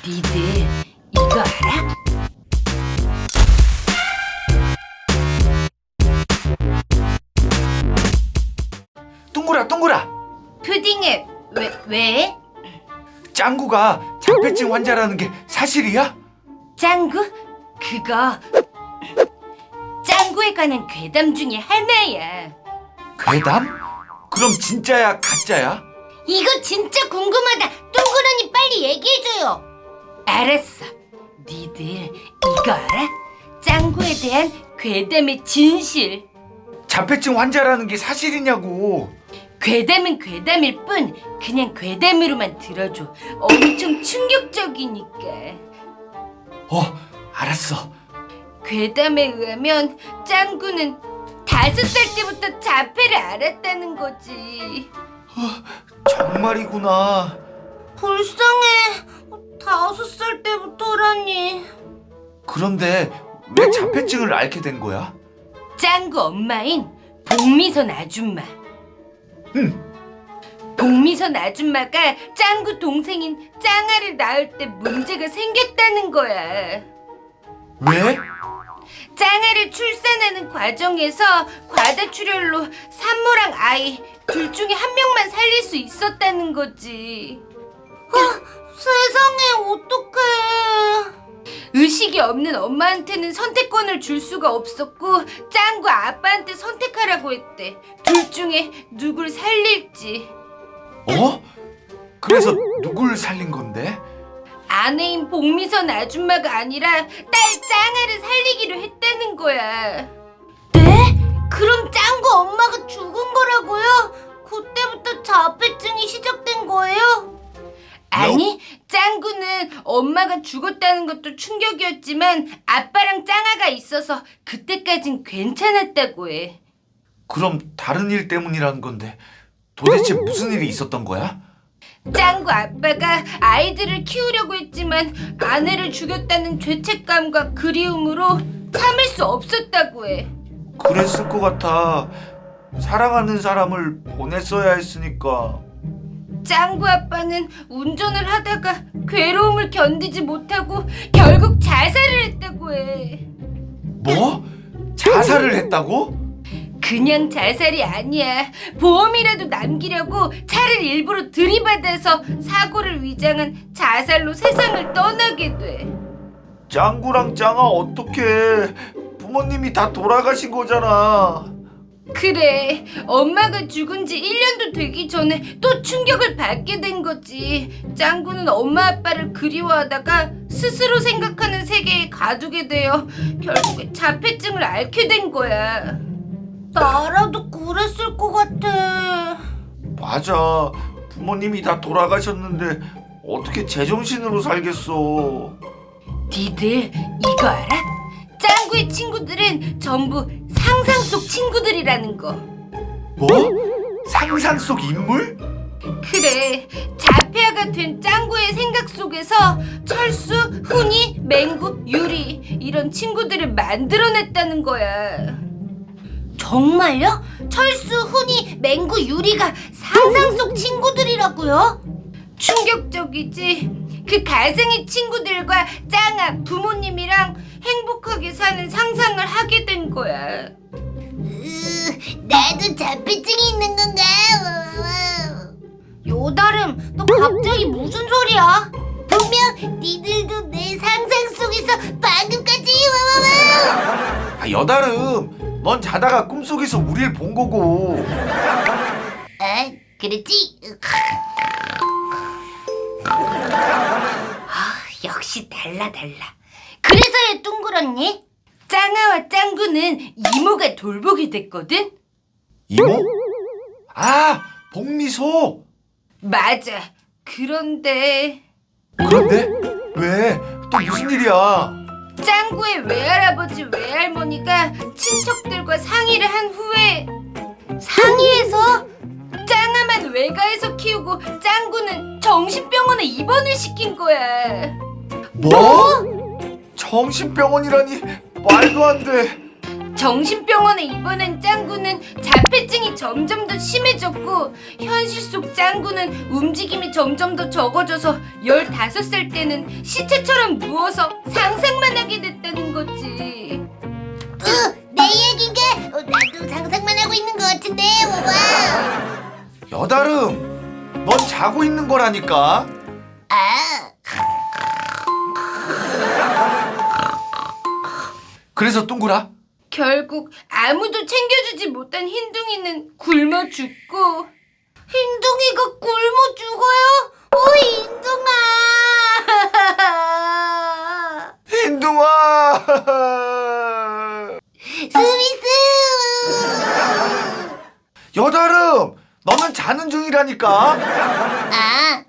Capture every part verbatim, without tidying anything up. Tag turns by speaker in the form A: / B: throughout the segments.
A: 니들 이거 알아?
B: 둥그라 둥그라,
A: 푸딩에 왜 왜?
B: 짱구가 자폐증 환자라는 게 사실이야?
A: 짱구? 그거 짱구에 관한 괴담 중에 하나야.
B: 괴담? 그럼 진짜야 가짜야?
A: 이거 진짜 궁금하다. 둥그러니 빨리 얘기해줘요. 알았어. 니들 이거 알아? 짱구에 대한 괴담의 진실.
B: 자폐증 환자라는 게 사실이냐고.
A: 괴담은 괴담일 뿐 그냥 괴담으로만 들어줘. 엄청 충격적이니까.
B: 어, 알았어.
A: 괴담에 의하면 짱구는 다섯 살 때부터 자폐를 알았다는 거지.
B: 정말이구나.
A: 불쌍해. 다섯 살 때부터라니.
B: 그런데 왜 자폐증을 앓게 된 거야?
A: 짱구 엄마인 복미선 아줌마.
B: 응.
A: 복미선 아줌마가 짱구 동생인 짱아를 낳을 때 문제가 생겼다는 거야.
B: 왜?
A: 짱아를 출산하는 과정에서 과다출혈로 산모랑 아이 둘 중에 한 명만 살릴 수 있었다는 거지. 아, 세상에 어떡해. 의식이 없는 엄마한테는 선택권을 줄 수가 없었고 짱구 아빠한테 선택하라고 했대. 둘 중에 누굴 살릴지.
B: 어? 그래서 누굴 살린 건데?
A: 아내인 복미선 아줌마가 아니라 딸 짱아를 살리기로 했다는 거야. 네? 그럼 짱구 엄마가 죽은 거라고요? 그때부터 자폐증이 시작된 거예요? 아니, 짱구는 엄마가 죽었다는 것도 충격이었지만 아빠랑 짱아가 있어서 그때까진 괜찮았다고 해.
B: 그럼 다른 일 때문이라는 건데 도대체 무슨 일이 있었던 거야?
A: 짱구 아빠가 아이들을 키우려고 했지만 아내를 죽였다는 죄책감과 그리움으로 참을 수 없었다고 해.
B: 그랬을 것 같아. 사랑하는 사람을 보냈어야 했으니까.
A: 짱구 아빠는 운전을 하다가 괴로움을 견디지 못하고 결국 자살을 했다고 해.
B: 뭐? 자살을 했다고?
A: 그냥 자살이 아니야. 보험이라도 남기려고 차를 일부러 들이받아서 사고를 위장한 자살로 세상을 떠나게 돼.
B: 짱구랑 짱아 어떡해. 부모님이 다 돌아가신 거잖아.
A: 그래, 엄마가 죽은 지 일 년도 되기 전에 또 충격을 받게 된 거지. 짱구는 엄마 아빠를 그리워하다가 스스로 생각하는 세계에 가두게 되어 결국에 자폐증을 앓게 된 거야. 나라도 그랬을 것 같아.
B: 맞아. 부모님이 다 돌아가셨는데 어떻게 제정신으로 살겠어.
A: 니들 이거 알아? 짱구의 친구들은 전부 상상 속 친구들이라는 거.
B: 뭐? 상상 속 인물?
A: 그래, 자폐아가 된 짱구의 생각 속에서 철수, 훈이, 맹구, 유리 이런 친구들을 만들어냈다는 거야. 정말요? 철수, 훈이, 맹구, 유리가 상상 속 친구들이라고요? 충격적이지? 그 가상의 친구들과 짱아 부모님이랑 행복하게 사는 상상을 하게 된 거야.
C: 으, 나도 자폐증이 있는 건가?
A: 요다름, 너 갑자기 무슨 소리야?
C: 분명 니들도 내 상상 속에서 방금까지 와와와.
B: 아, 여다름, 넌 자다가 꿈속에서 우릴 본 거고.
C: 아, 그렇지.
A: 아, 역시 달라 달라. 그래서야 둥그렇니? 짱아와 짱구는 이모가 돌보게 됐거든?
B: 이모? 아, 복미소.
A: 맞아. 그런데
B: 그런데 왜? 또 무슨 일이야?
A: 짱구의 외할아버지 외할머니가 친척들과 상의를 한 후에 상의해서 짱아만 외가에서 키우고 짱구는 정신병원에 입원을 시킨 거야.
B: 뭐? 정신병원이라니 말도 안 돼.
A: 정신병원에 입원한 짱구는 자폐증이 점점 더 심해졌고 현실 속 짱구는 움직임이 점점 더 적어져서 열다섯 살 때는 시체처럼 누워서 상상만 하게 됐다는 거지.
C: 어, 내 얘긴가? 어, 나도 상상만 하고 있는 것 같은데. 와와.
B: 여다름, 넌 자고 있는 거라니까.
C: 아,
B: 그래서 뚱구라,
A: 결국 아무도 챙겨주지 못한 흰둥이는 굶어 죽고.
C: 흰둥이가 굶어 죽어요? 오, 흰둥아.
B: 흰둥아.
C: 스미스.
B: 여다름, 너는 자는 중이라니까.
C: 아,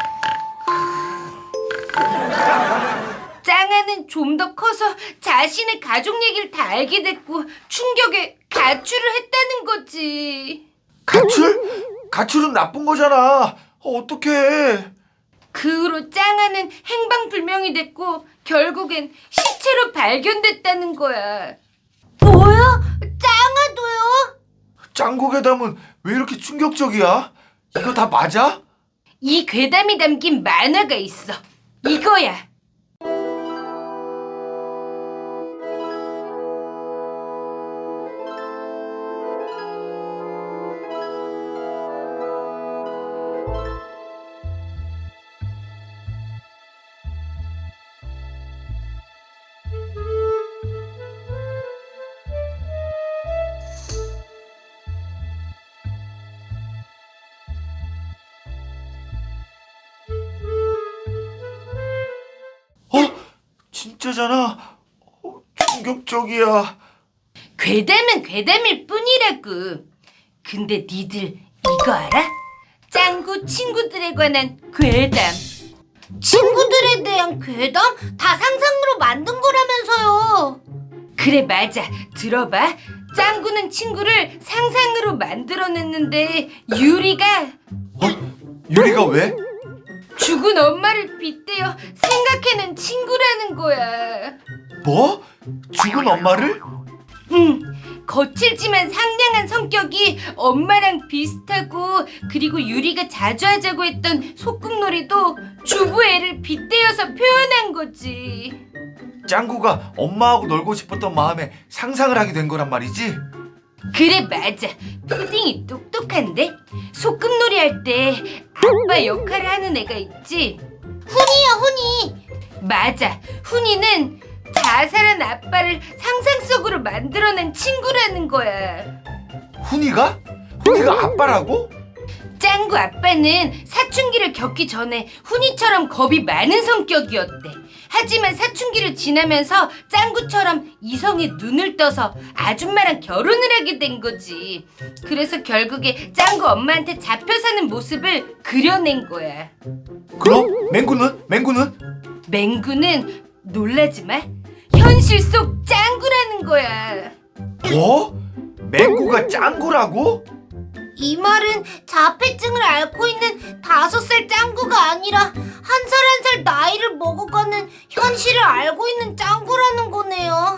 A: 짱아는 좀 더 커서 자신의 가족 얘기를 다 알게 됐고 충격에 가출을 했다는 거지.
B: 가출? 가출은 나쁜 거잖아. 어, 어떡해.
A: 그 후로 짱아는 행방불명이 됐고 결국엔 시체로 발견됐다는 거야.
C: 뭐야? 짱아도요?
B: 짱구 괴담은 왜 이렇게 충격적이야? 이거 다 맞아?
A: 이 괴담이 담긴 만화가 있어. 이거야.
B: 어? 진짜잖아. 어, 충격적이야.
A: 괴담은 괴담일 뿐이라고. 근데 니들 이거 알아? 짱구 친구들에 관한 괴담.
C: 친구들에 대한 괴담? 다 상상으로 만든 거라면서요.
A: 그래 맞아. 들어봐. 짱구는 친구를 상상으로 만들어냈는데 유리가
B: 어? 유리가 왜?
A: 죽은 엄마를 빗대어 생각해낸 친구라는 거야.
B: 뭐? 죽은 엄마를?
A: 응. 거칠지만 상냥한 성격이 엄마랑 비슷하고 그리고 유리가 자주 하자고 했던 소꿉놀이도 주부 애를 빗대어서 표현한 거지.
B: 짱구가 엄마하고 놀고 싶었던 마음에 상상을 하게 된 거란 말이지?
A: 그래 맞아. 푸딩이 똑똑한데? 소꿉놀이 할 때 아빠 역할을 하는 애가 있지?
C: 훈이야, 훈이.
A: 맞아. 훈이는 자살한 아빠를 상상 속으로 만들어낸 친구라는 거야.
B: 훈이가? 훈이가 아빠라고?
A: 짱구 아빠는 사춘기를 겪기 전에 훈이처럼 겁이 많은 성격이었대. 하지만 사춘기를 지나면서 짱구처럼 이성에 눈을 떠서 아줌마랑 결혼을 하게 된 거지. 그래서 결국에 짱구 엄마한테 잡혀 사는 모습을 그려낸 거야.
B: 그럼 맹구는? 맹구는?
A: 맹구는 놀라지 마. 현실 속 짱구라는 거야.
B: 뭐? 맹구가 짱구라고?
C: 이 말은 자폐증을 앓고 있는 다섯 살 짱구가 아니라 한 살 한 살 나이를 먹어가는 현실을 알고 있는 짱구라는 거네요.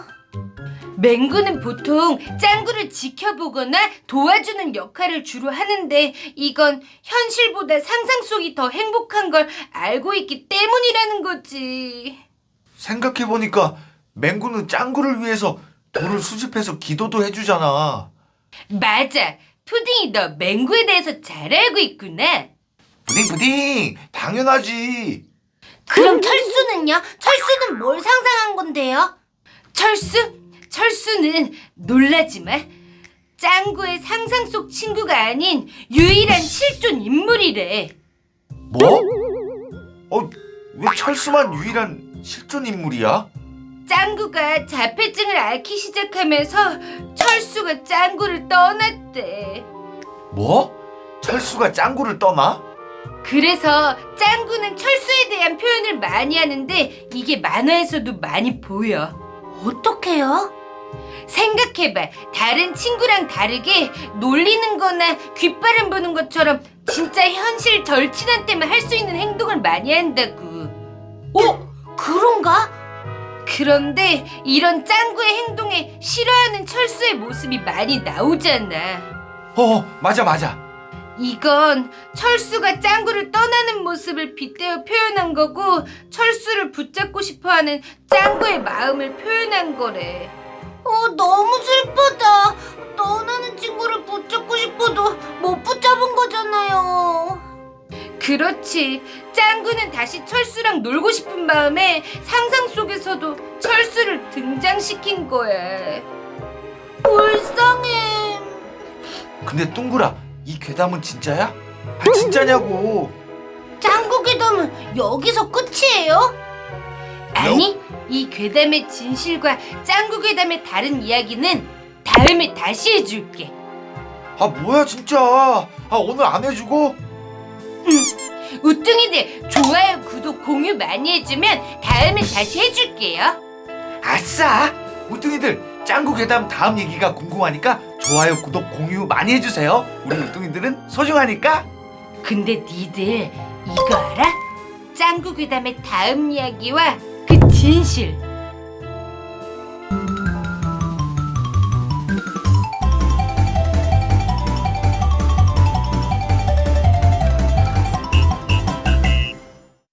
A: 맹구는 보통 짱구를 지켜보거나 도와주는 역할을 주로 하는데 이건 현실보다 상상 속이 더 행복한 걸 알고 있기 때문이라는 거지.
B: 생각해보니까 맹구는 짱구를 위해서 돌을 수집해서 기도도 해주잖아.
A: 맞아. 푸딩이 너 맹구에 대해서 잘 알고 있구나.
B: 부딩 부딩 당연하지.
C: 그럼 철수는요? 철수는 뭘 상상한 건데요?
A: 철수? 철수는 놀라지 마. 짱구의 상상 속 친구가 아닌 유일한 실존 인물이래.
B: 뭐? 어, 왜 철수만 유일한 실존 인물이야?
A: 짱구가 자폐증을 앓기 시작하면서 철수가 짱구를 떠났대.
B: 뭐? 철수가 짱구를 떠나?
A: 그래서 짱구는 철수에 대한 표현을 많이 하는데 이게 만화에서도 많이 보여.
C: 어떡해요?
A: 생각해봐. 다른 친구랑 다르게 놀리는 거나 귓바람 보는 것처럼 진짜 현실 절친한 때만 할 수 있는 행동을 많이 한다고.
C: 어? 그런가?
A: 그런데 이런 짱구의 행동에 싫어하는 철수의 모습이 많이 나오잖아.
B: 어, 맞아, 맞아.
A: 이건 철수가 짱구를 떠나는 모습을 빗대어 표현한 거고 철수를 붙잡고 싶어하는 짱구의 마음을 표현한 거래.
C: 어, 너무 슬프다. 떠나는 친구를 붙잡고 싶어도 못 붙잡은 거잖아요.
A: 그렇지. 짱구는 다시 철수랑 놀고 싶은 마음에 상상 속에서도 철수를 등장시킨 거야.
C: 불쌍해.
B: 근데 뚱그라, 이 괴담은 진짜야? 아, 진짜냐고.
C: 짱구 괴담은 여기서 끝이에요?
A: 아니, 이 괴담의 진실과 짱구 괴담의 다른 이야기는 다음에 다시 해줄게.
B: 아, 뭐야 진짜. 아, 오늘 안 해주고?
A: 우뚱이들 좋아요, 구독, 공유 많이 해주면 다음에 다시 해줄게요.
B: 아싸! 우뚱이들, 짱구 괴담 다음 얘기가 궁금하니까 좋아요, 구독, 공유 많이 해주세요. 우리 우뚱이들은 소중하니까.
A: 근데 니들 이거 알아? 짱구 괴담의 다음 이야기와 그 진실